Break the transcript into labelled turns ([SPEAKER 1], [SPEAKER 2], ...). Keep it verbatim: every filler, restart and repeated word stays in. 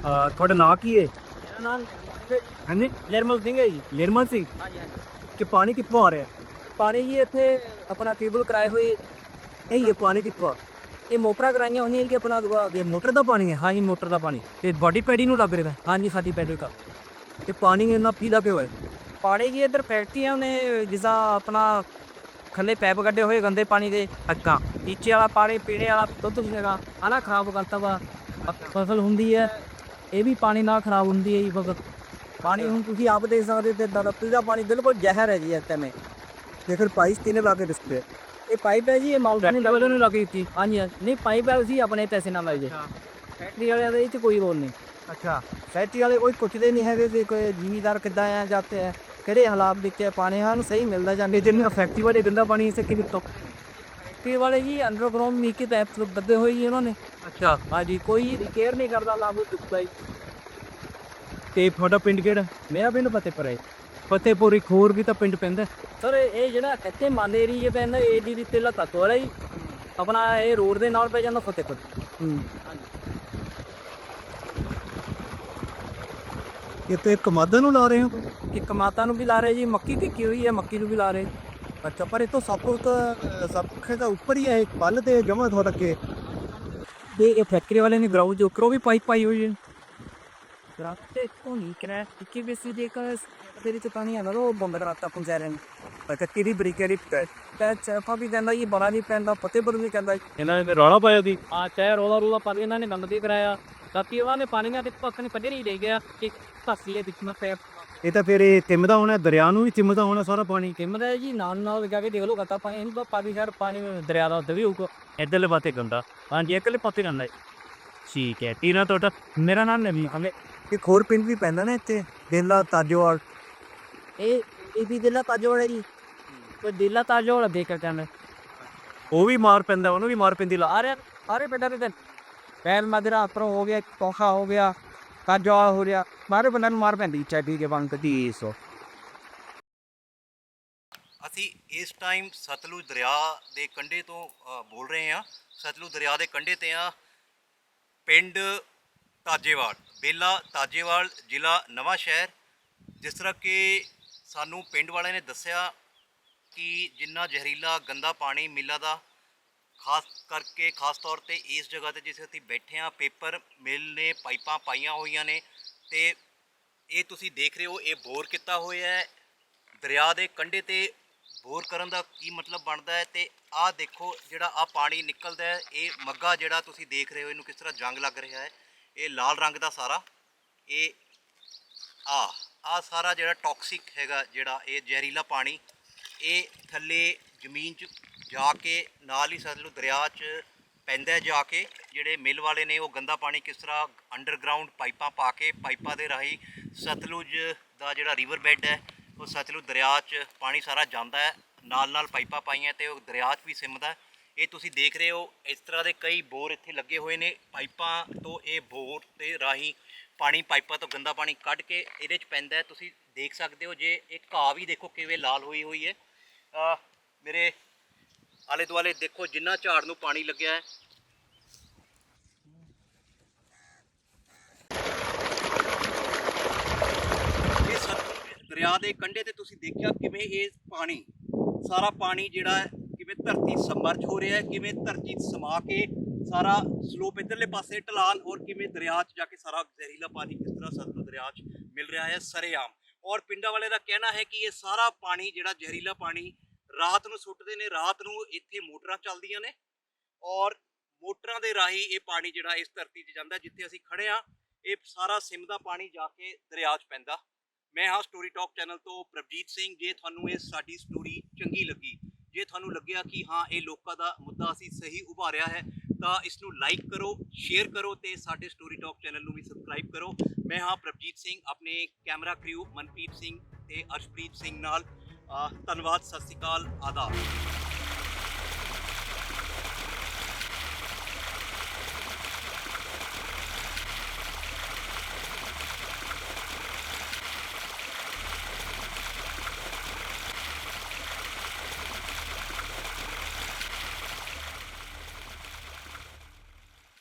[SPEAKER 1] ਅਹ ਤੁਹਾਡਾ ਨਾਂ ਕੀ ਹੈ?
[SPEAKER 2] ਮੇਰਾ ਨਾਮ
[SPEAKER 1] ਹਾਂਜੀ,
[SPEAKER 2] ਨਿਰਮਲ ਸਿੰਘ ਹੈ ਜੀ।
[SPEAKER 1] ਨਿਰਮਲ ਸਿੰਘ।
[SPEAKER 2] ਹਾਂਜੀ ਹਾਂਜੀ।
[SPEAKER 1] ਕਿ ਪਾਣੀ ਕਿੱਥੋਂ ਆ ਰਿਹਾ?
[SPEAKER 2] ਪਾਣੀ ਜੀ ਇੱਥੇ ਆਪਣਾ ਟਿਊਬਲ ਕਰਾਏ ਹੋਏ
[SPEAKER 1] ਇਹ ਇਹ ਪਾਣੀ ਕਿੱਥੋਂ ਆ?
[SPEAKER 2] ਇਹ ਮੋਟਰਾਂ ਕਰਾਈਆਂ ਹੋਈਆਂ ਜੀ ਕਿ ਆਪਣਾ ਦੁਆ
[SPEAKER 1] ਇਹ ਮੋਟਰ ਦਾ ਪਾਣੀ ਹੈ?
[SPEAKER 2] ਹਾਂਜੀ ਮੋਟਰ ਦਾ ਪਾਣੀ।
[SPEAKER 1] ਤੇ ਬਾਡੀ ਪੈੜੀ ਨੂੰ ਲੱਗ ਰਿਹਾ?
[SPEAKER 2] ਹਾਂਜੀ ਸਾਡੀ ਪੈਟਰੋਲ ਦਾ
[SPEAKER 1] ਇਹ ਪਾਣੀ ਇੰਨਾ ਪੀਲਾ ਪਿਆ ਹੋਇਆ?
[SPEAKER 2] ਪਾਣੀ ਜੀ ਇੱਧਰ ਫੈਕਟਰੀਆਂ ਨੇ ਜਿੱਦਾਂ ਆਪਣਾ ਥੱਲੇ ਪੈਪ ਕੱਢੇ ਹੋਏ ਗੰਦੇ ਪਾਣੀ ਦੇ ਅੱਗਾ ਨੀਚੇ ਵਾਲਾ ਪਾਣੀ ਪੀਣੇ ਵਾਲਾ ਦੁੱਧ ਸੀਗਾ ਆਹ ਖਰਾਬ ਕਰਤਾ ਵਾ। ਫਸਲ ਹੁੰਦੀ ਹੈ ਇਹ ਵੀ ਪਾਣੀ ਨਾਲ ਖਰਾਬ ਹੁੰਦੀ ਹੈ ਜੀ ਫਸਲ। ਪਾਣੀ ਹੁਣ ਤੁਸੀਂ ਆਪ ਦੇਖ ਸਕਦੇ ਤੇ ਦਰਤੀ ਦਾ ਪਾਣੀ ਬਿਲਕੁਲ ਜ਼ਹਿਰ ਹੈ ਜੀ ਇਸ ਟਾਈਮ।
[SPEAKER 1] ਤੇ ਫਿਰ ਪਾਈਪ ਕਿਨੇ ਲਾ ਕੇ ਡਿਸਪਲੇ?
[SPEAKER 2] ਇਹ ਪਾਈਪ ਹੈ ਜੀ ਇਹ ਮਾਊਂਟ
[SPEAKER 1] ਫੈਕਟਰੀ ਵਾਲਿਆਂ ਨੂੰ ਲੱਗੀ ਦਿੱਤੀ?
[SPEAKER 2] ਹਾਂਜੀ ਹਾਂਜੀ। ਨਹੀਂ ਪਾਈਪ ਹੈ ਅਸੀਂ ਆਪਣੇ ਪੈਸੇ ਨਾਲ ਲਾਈ ਜੇ। ਫੈਕਟਰੀ ਵਾਲਿਆਂ ਦਾ ਇਹ 'ਚ ਕੋਈ ਰੋਲ ਨਹੀਂ।
[SPEAKER 1] ਅੱਛਾ।
[SPEAKER 2] ਫੈਕਟਰੀ ਵਾਲੇ ਕੋਈ ਪੁੱਛਦੇ ਨਹੀਂ ਹੈਗੇ ਕਿ ਕੋਈ ਜ਼ਿਮੀਦਾਰ ਕਿੱਦਾਂ ਆ ਜਾਂਦੇ ਹੈ ਕਿਹੜੇ ਹਾਲਾਤ ਵਿੱਚ ਹੈ ਪਾਣੀ ਹਨ ਸਹੀ ਮਿਲਦਾ ਜਾਂਦੇ
[SPEAKER 1] ਜਿੰਨਾ ਫੈਕਟਰੀ ਵਾਲੇ ਗੰਦਾ ਪਾਣੀ ਇਸੇ ਕਿਵੇਂ ਤੋਂ?
[SPEAKER 2] ਫੈਕਟਰੀ ਵਾਲੇ ਜੀ ਅੰਡਰਗਰਾਉਂਡ ਨੀਕੇ ਪੈਪ ਬੱਦੇ ਹੋਏ ਜੀ ਉਹਨਾਂ ਨੇ।
[SPEAKER 1] ਅੱਛਾ।
[SPEAKER 2] ਹਾਂਜੀ ਕੋਈ ਕੇਅਰ ਨਹੀਂ ਕਰਦਾ ਲਾਗੂ ਚੁੱਕਦਾ ਜੀ।
[SPEAKER 1] ਤੇ ਤੁਹਾਡਾ ਪਿੰਡ ਕਿਹੜਾ?
[SPEAKER 2] ਮੇਰਾ ਪਿੰਡ ਫਤਿਹਪੁਰ ਹੈ।
[SPEAKER 1] ਫਤਿਹਪੁਰ ਇੱਕ ਹੋਰ ਵੀ ਤਾਂ ਪਿੰਡ ਪੈਂਦਾ।
[SPEAKER 2] ਸਰ ਇਹ ਜਿਹੜਾ ਇੱਥੇ ਮੰਨ ਏਰੀਏ ਪੈਂਦਾ ਏ ਦੀ ਤੇ ਤੱਤਵ ਹੈ ਜੀ ਆਪਣਾ ਇਹ ਰੋਡ ਦੇ ਨਾਲ ਪੈ ਜਾਂਦਾ ਫਤਿਹਪੁਰ।
[SPEAKER 1] ਹੂੰ।
[SPEAKER 2] ਹਾਂਜੀ।
[SPEAKER 1] ਇਹ ਤੇ ਕਮਾਦਾਂ ਨੂੰ ਲਾ ਰਹੇ ਹੋ?
[SPEAKER 2] ਇੱਕ ਮਾਤਾ ਨੂੰ ਵੀ ਲਾ ਰਹੇ ਜੀ ਮੱਕੀ ਟਿੱਕੀ ਹੋਈ ਹੈ ਮੱਕੀ ਨੂੰ ਵੀ ਲਾ ਰਹੇ।
[SPEAKER 1] ਅੱਛਾ, ਪਰ ਇਹ ਤੋਂ ਸਭ ਕੁਝ ਤਾਂ ਸਭ ਕੁਝ ਤਾਂ ਉੱਪਰ ਹੀ ਹੈ ਪੱਲ ਤੇ ਜਮਾ ਹੋ ਤੱਕੇ।
[SPEAKER 2] ਤੇ ਇਹ ਫੈਕਟਰੀ ਵਾਲੇ ਨੇ ਗਰਾਊਂਡ ਦੇ ਉੱਪਰੋਂ ਵੀ ਪਾਈਪ ਪਾਈ ਹੋਈ ਹੈ। ਰਾਤੇ ਤੋਂ ਨਹੀਂ ਕਰਾ ਕਿ ਬੇਸੀ ਦੇ ਕਰ ਤੇਰੀ ਤੇ ਪਾਣੀ ਆਣਾ ਉਹ ਬੰਦ ਕਰਾਤਾ ਪੰਜਾਰੇ ਨੇ।
[SPEAKER 1] ਅੱਛਾ, ਕਿਹਦੀ ਬਰੀਕਰੀ
[SPEAKER 2] ਤੇ ਚਫਾ ਵੀ ਕਹਿੰਦਾ ਜੀ ਬੜਾ ਨਹੀਂ ਪੈਂਦਾ ਫਤਿਹਪੁਰ ਵੀ ਕਹਿੰਦਾ
[SPEAKER 1] ਇਹਨਾਂ ਨੇ ਰੌਲਾ ਪਾਇਆ ਸੀ?
[SPEAKER 2] ਆ ਚਾਹੇ ਰੋਲਾ ਰੋਲਾ ਪਾ ਇਹਨਾਂ ਨੇ ਗੰਦ ਵੀ ਕਰਾਇਆ ਰਾਤੀ ਉਹਨਾਂ ਨੇ ਪਾਣੀ ਨਾਲ ਤੇ ਪੱਕ ਨੇ ਪੱਧਰ ਹੀ ਦੇ ਗਿਆ ਕਿ ਧਰਤੀ ਵਿੱਚ ਮੈਂ ਪੈਪ
[SPEAKER 1] ਇਹ ਤਾਂ ਫਿਰ ਇਹ ਤਿੰਮਦਾ ਹੋਣਾ, ਦਰਿਆ ਨੂੰ ਵੀ ਤਿੰਮਦਾ ਹੋਣਾ ਸਾਰਾ ਪਾਣੀ।
[SPEAKER 2] ਕਿੰਮਦਾ ਜੀ ਨਾਲ ਨਾਲ ਲਗਾ ਕੇ ਦੇਖ ਲਓ ਕਰਤਾ ਪਾਣੀ ਇਹਨੂੰ ਪਾਣੀ ਸ਼ਹਿਰ ਪਾਣੀ ਦਰਿਆ ਦਾ ਉੱਤੇ ਵੀ ਹੋਊਗਾ।
[SPEAKER 1] ਇੱਧਰਲੇ ਪਾਸੇ ਗੰਦਾ। ਹਾਂਜੀ, ਇੱਕਲੇ ਪਾਸੇ ਗੰਦਾ ਹੈ। ਠੀਕ ਹੈ। ਟੀਨਾ ਤੁਹਾਡਾ?
[SPEAKER 2] ਮੇਰਾ ਨਾਮ ਨਵੀਂ ਹਮੇ।
[SPEAKER 1] ਇੱਕ ਹੋਰ ਪਿੰਡ ਵੀ ਪੈਂਦਾ ਨਾ ਇੱਥੇ, ਦੇਲਾ ਤਾਜੋਵਾਲ।
[SPEAKER 2] ਇਹ ਇਹ ਵੀ ਦੇਲਾ ਤਾਜੋਵਾਲ ਹੈ ਜੀ। ਕੋਈ ਦੇਲਾ ਤਾਜੋਵਾਲ ਦੇਖ ਕੇ ਕਹਿੰਦੇ
[SPEAKER 1] ਉਹ ਵੀ ਮਾਰ ਪੈਂਦਾ, ਉਹਨੂੰ ਵੀ ਮਾਰ ਪੈਂਦੀ ਲਾ।
[SPEAKER 2] ਆ ਰਿਹਾ ਸਾਰੇ ਪਿੰਡਾਂ ਦੇ ਪੈਲ ਮਦਰਾ ਆਪਰੋਂ ਹੋ ਗਿਆ ਕੋਖਾ ਹੋ ਗਿਆ ਤਾਜੋਵਾਲ ਹੋ ਰਿਹਾ ਮਾਰੇ ਪਿੰਡਾਂ ਨੂੰ ਮਾਰ ਪੈਂਦੀ ਚਾਬੀ ਕੇ ਬੰਦ ਦੀ ਸੋ।
[SPEAKER 3] ਅਸੀਂ ਇਸ ਟਾਈਮ ਸਤਲੁਜ ਦਰਿਆ ਦੇ ਕੰਢੇ ਤੋਂ ਅ, ਬੋਲ ਰਹੇ ਹਾਂ। ਸਤਲੁਜ ਦਰਿਆ ਦੇ ਕੰਢੇ 'ਤੇ ਆ ਪਿੰਡ ਤਾਜੇਵਾਲ, ਬੇਲਾ ਤਾਜੇਵਾਲ, ਜ਼ਿਲ੍ਹਾ ਨਵਾਂ ਸ਼ਹਿਰ। ਜਿਸ ਤਰ੍ਹਾਂ ਕਿ ਸਾਨੂੰ ਪਿੰਡ ਵਾਲਿਆਂ ਨੇ ਦੱਸਿਆ ਕਿ ਜਿੰਨਾ ਜ਼ਹਿਰੀਲਾ ਗੰਦਾ ਪਾਣੀ ਮਿੱਲਾਂ ਦਾ ਖਾਸ ਕਰਕੇ ਖਾਸ ਤੌਰ 'ਤੇ ਇਸ ਜਗ੍ਹਾ 'ਤੇ ਜਿੱਥੇ ਅਸੀਂ ਬੈਠੇ ਹਾਂ ਪੇਪਰ ਮਿੱਲ ਨੇ ਪਾਈਪਾਂ ਪਾਈਆਂ ਹੋਈਆਂ ਨੇ ਅਤੇ ਇਹ ਤੁਸੀਂ ਦੇਖ ਰਹੇ ਹੋ ਇਹ ਬੋਰ ਕੀਤਾ ਹੋਇਆ ਹੈ ਦਰਿਆ ਦੇ ਕੰਢੇ 'ਤੇ। ਬੋਰ ਕਰਨ ਦਾ ਕੀ ਮਤਲਬ ਬਣਦਾ ਹੈ ਅਤੇ ਆਹ ਦੇਖੋ ਜਿਹੜਾ ਆਹ ਪਾਣੀ ਨਿਕਲਦਾ ਹੈ ਇਹ ਮੱਗਾ ਜਿਹੜਾ ਤੁਸੀਂ ਦੇਖ ਰਹੇ ਹੋ ਇਹਨੂੰ ਕਿਸ ਤਰ੍ਹਾਂ ਜੰਗ ਲੱਗ ਰਿਹਾ ਹੈ। ਇਹ ਲਾਲ ਰੰਗ ਦਾ ਸਾਰਾ ਇਹ ਆ ਆਹ ਸਾਰਾ ਜਿਹੜਾ ਟੌਕਸਿਕ ਹੈਗਾ ਜਿਹੜਾ ਇਹ ਜ਼ਹਿਰੀਲਾ ਪਾਣੀ ਇਹ ਥੱਲੇ ਜ਼ਮੀਨ 'ਚ ਜਾ ਕੇ ਨਾਲ ਹੀ ਸਤਲੁਜ ਦਰਿਆ 'ਚ ਪੈਂਦਾ ਜਾ ਕੇ। ਜਿਹੜੇ ਮਿੱਲ ਵਾਲੇ ਨੇ ਉਹ ਗੰਦਾ ਪਾਣੀ ਕਿਸ ਤਰ੍ਹਾਂ ਅੰਡਰਗਰਾਊਂਡ ਪਾਈਪਾਂ ਪਾ ਕੇ ਪਾਈਪਾਂ ਦੇ ਰਾਹੀਂ ਸਤਲੁਜ ਦਾ ਜਿਹੜਾ ਰਿਵਰ ਬੈੱਡ ਹੈ ਉਹ ਸਤਲੁਜ ਦਰਿਆ 'ਚ ਪਾਣੀ ਸਾਰਾ ਜਾਂਦਾ ਹੈ। ਨਾਲ ਨਾਲ ਪਾਈਪਾਂ ਪਾਈਆਂ ਅਤੇ ਉਹ ਦਰਿਆ 'ਚ ਵੀ ਸਿਮਦਾ। ਇਹ ਤੁਸੀਂ ਦੇਖ ਰਹੇ ਹੋ ਇਸ ਤਰ੍ਹਾਂ ਦੇ ਕਈ ਬੋਰ ਇੱਥੇ ਲੱਗੇ ਹੋਏ ਨੇ। ਪਾਈਪਾਂ ਤੋਂ ਇਹ ਬੋਰ ਦੇ ਰਾਹੀਂ ਪਾਣੀ ਪਾਈਪਾਂ ਤੋਂ ਗੰਦਾ ਪਾਣੀ ਕੱਢ ਕੇ ਇਹਦੇ 'ਚ ਪੈਂਦਾ। ਤੁਸੀਂ ਦੇਖ ਸਕਦੇ ਹੋ ਜੇ ਇਹ ਘਾਹ ਵੀ ਦੇਖੋ ਕਿਵੇਂ ਲਾਲ ਹੋਈ ਹੋਈ ਹੈ। ਮੇਰੇ ਆਲੇ ਦੁਆਲੇ ਦੇਖੋ ਜਿੰਨਾ ਝਾੜ ਨੂੰ ਪਾਣੀ ਲੱਗਿਆ ਹੈ। ਇਹ ਸਤਲੁਜ ਦਰਿਆ ਦੇ ਕੰਢੇ ਤੇ ਤੁਸੀਂ ਦੇਖਿਆ ਕਿਵੇਂ ਇਹ ਪਾਣੀ ਸਾਰਾ ਪਾਣੀ ਜਿਹੜਾ ਹੈ ਕਿਵੇਂ ਧਰਤੀ ਸਮਰਜ ਹੋ ਰਿਹਾ ਹੈ, ਕਿਵੇਂ ਧਰਤੀ ਸਮਾ ਕੇ ਸਾਰਾ ਸਲੋਪ ਇੱਧਰਲੇ ਪਾਸੇ ਢਲਾਨ ਔਰ ਕਿਵੇਂ ਦਰਿਆ 'ਚ ਜਾ ਕੇ ਸਾਰਾ ਜ਼ਹਿਰੀਲਾ ਪਾਣੀ ਕਿਸ ਤਰ੍ਹਾਂ ਸਤਲੁਜ ਦਰਿਆ 'ਚ ਮਿਲ ਰਿਹਾ ਹੈ ਸਰੇਆਮ। ਔਰ ਪਿੰਡਾਂ ਵਾਲੇ ਦਾ ਕਹਿਣਾ ਹੈ ਕਿ ਇਹ ਸਾਰਾ ਪਾਣੀ ਜਿਹੜਾ ਜ਼ਹਿਰੀਲਾ ਪਾਣੀ ਰਾਤ ਨੂੰ ਸੁੱਟਦੇ ਨੇ। ਰਾਤ ਨੂੰ ਇੱਥੇ ਮੋਟਰਾਂ ਚੱਲਦੀਆਂ ਨੇ ਔਰ ਮੋਟਰਾਂ ਦੇ ਰਾਹੀਂ ਇਹ ਪਾਣੀ ਜਿਹੜਾ ਇਸ ਧਰਤੀ 'ਚ ਜਾਂਦਾ ਜਿੱਥੇ ਅਸੀਂ ਖੜੇ ਹਾਂ ਇਹ ਸਾਰਾ ਸਿਮਦਾ ਪਾਣੀ ਜਾ ਕੇ ਦਰਿਆ 'ਚ ਪੈਂਦਾ। ਮੈਂ ਹਾਂ ਸਟੋਰੀ ਟਾਕ ਚੈਨਲ ਤੋਂ ਪ੍ਰਭਜੀਤ ਸਿੰਘ। ਜੇ ਤੁਹਾਨੂੰ ਇਹ ਸਾਡੀ ਸਟੋਰੀ ਚੰਗੀ ਲੱਗੀ, ਜੇ ਤੁਹਾਨੂੰ ਲੱਗਿਆ ਕਿ ਹਾਂ ਇਹ ਲੋਕਾਂ ਦਾ ਮੁੱਦਾ ਅਸੀਂ ਸਹੀ ਉਭਾਰਿਆ ਹੈ ਤਾਂ ਇਸ ਨੂੰ ਲਾਈਕ ਕਰੋ, ਸ਼ੇਅਰ ਕਰੋ ਅਤੇ ਸਾਡੇ ਸਟੋਰੀ ਟਾਕ ਚੈਨਲ ਨੂੰ ਵੀ ਸਬਸਕ੍ਰਾਈਬ ਕਰੋ। ਮੈਂ ਹਾਂ ਪ੍ਰਭਜੀਤ ਸਿੰਘ ਆਪਣੇ ਕੈਮਰਾ ਕ੍ਰਿਊ ਮਨਪ੍ਰੀਤ ਸਿੰਘ ਅਤੇ ਅਰਸ਼ਪ੍ਰੀਤ ਸਿੰਘ ਨਾਲ। ਧੰਨਵਾਦ। ਸਤਿ ਸ਼੍ਰੀ ਅਕਾਲ। ਆਦਾਬ।